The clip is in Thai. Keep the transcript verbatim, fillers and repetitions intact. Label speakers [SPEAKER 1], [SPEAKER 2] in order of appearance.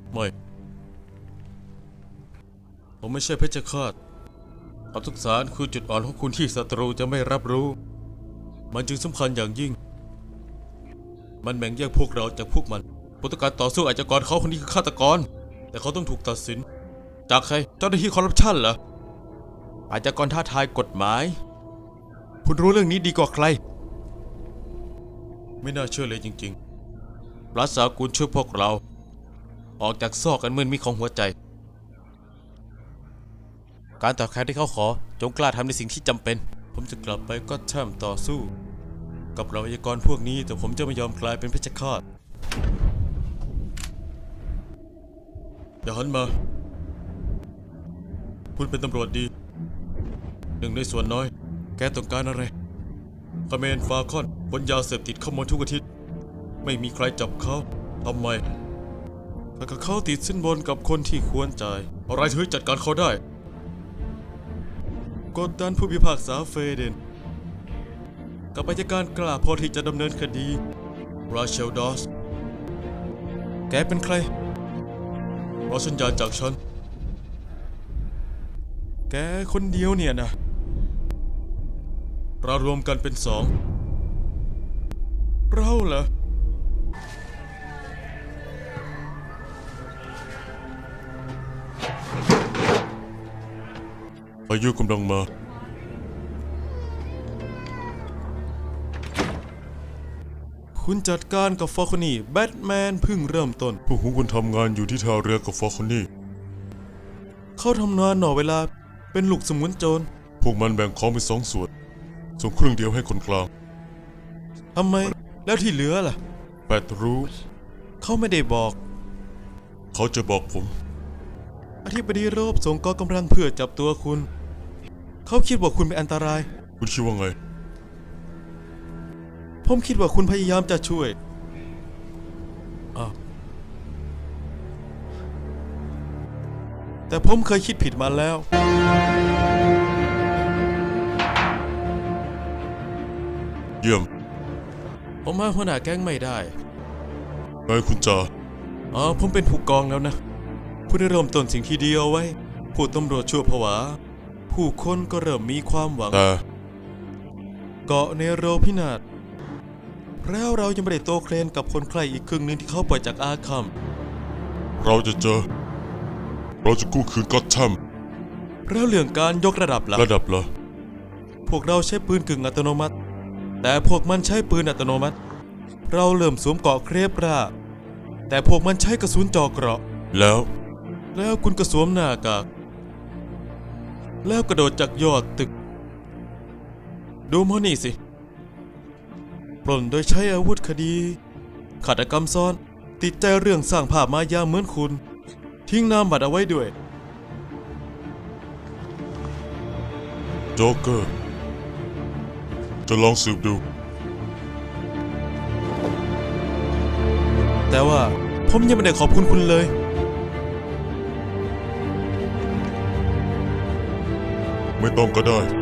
[SPEAKER 1] ไม่ผมไม่ใช่เพชฌฆาตความสงสารคือจุดอ่อนของคุณที่ศัตรูจะไม่รับรู้มันจึงสำคัญอย่างยิ่งมันแบ่งแยกพวกเราจากพวกมันผู้ต้องการต่อสู้อาชญากรเขาคนนี้คือฆาตกรแต่เขาต้องถูกตัดสินจากใครเจ้าหน้าที่คอร์รัปชันเหรออาชญากรท้าทายกฎหมายคุณรู้เรื่องนี้ดีกว่าใครไม่น่าเชื่อเลยจริงๆรัฐสากุลช่วยพวกเราออกจากซอกกันมืดมิดของหัวใจการตอบแทนที่เขาขอจงกล้าทำในสิ่งที่จำเป็นผมจะกลับไปก็แช่มต่อสู้กับเราอาชญากรพวกนี้แต่ผมจะไม่ยอมกลายเป็นเพชฌฆาตอย่าหันมาคุณเป็นตำรวจดีหนึ่งในส่วนน้อยแกต้องการอะไรคาเมนฟาคอนบนยาเสพติดเข้ามาทุกอาทิตย์ไม่มีใครจับเขาทำไมแต่เขาติดสินบนกับคนที่ควรจ่ายอะไรถึงจัดการเขาได้กดดันผู้พิพากษาเฟเดนกับอัยการกล้าพอที่จะดำเนินคดีราเชลดอสแกเป็นใครรอสัญญาณจากฉันแกคนเดียวเนี่ยนะเรารวมกันเป็นสองเราเหรอพายุกำลังมาคุณจัดการกับฟอลคอนี่แบทแมนเพิ่งเริ่มต้นพวกคุณทำงานอยู่ที่ท่าเรือกับฟอลคอนี่เขาทำงานหน่อเวลาเป็นลูกสมุนโจรพวกมันแบ่งของเป็นสองส่วนส่งครึ่งเดียวให้คนกลางทำไมแล้วที่เหลือล่ะแปดรู้เขาไม่ได้บอกเขาจะบอกผมอธิบดีโรบส่งกองกำลังเพื่อจับตัวคุณเขาคิดว่าคุณเป็นอันตรายคุณคิดว่าไงผมคิดว่าคุณพยายามจะช่วยอ้าวแต่ผมเคยคิดผิดมาแล้วเยี่ยมผมหาหัวหน้าแก๊งไม่ได้ไงคุณจ่าอ๋อผมเป็นผู้กองแล้วนะคุณได้เริ่มต้นสิ่งที่ดีเอาไว้ผู้ตำรวจชั่วผวาผู้คนก็เริ่มมีความหวังแต่เกาะเนโรพินาศแล้วเรายังไม่ได้โตเคลนกับคนใครอีกครึ่งหนึ่งที่เขาปล่อยจากอาคัมเราจะเจอเราจะกู้คืนก็อตแธมแล้วเรื่องการยกระดับล่ะระดับเหรอพวกเราใช้ปืนกึ่งอัตโนมัติแต่พวกมันใช้ปืนอัตโนมัติเราเริ่มสวมเกราะเครปราแต่พวกมันใช้กระสุนจ่อเกราะแล้วแล้วคุณก็สวมหน้ากากแล้วกระโดดจากยอดตึกดูมอนี่สิปล้นโดยใช้อาวุธคดีฆาตกรรมซ้อนติดใจเรื่องสร้างภาพมายาเหมือนคุณทิ้งนามบัตรเอาไว้ด้วยโจ๊กเกอร์จะลองสืบดูแต่ว่าผมยังไม่ได้ขอบคุณคุณเลยไม่ต้องก็ได้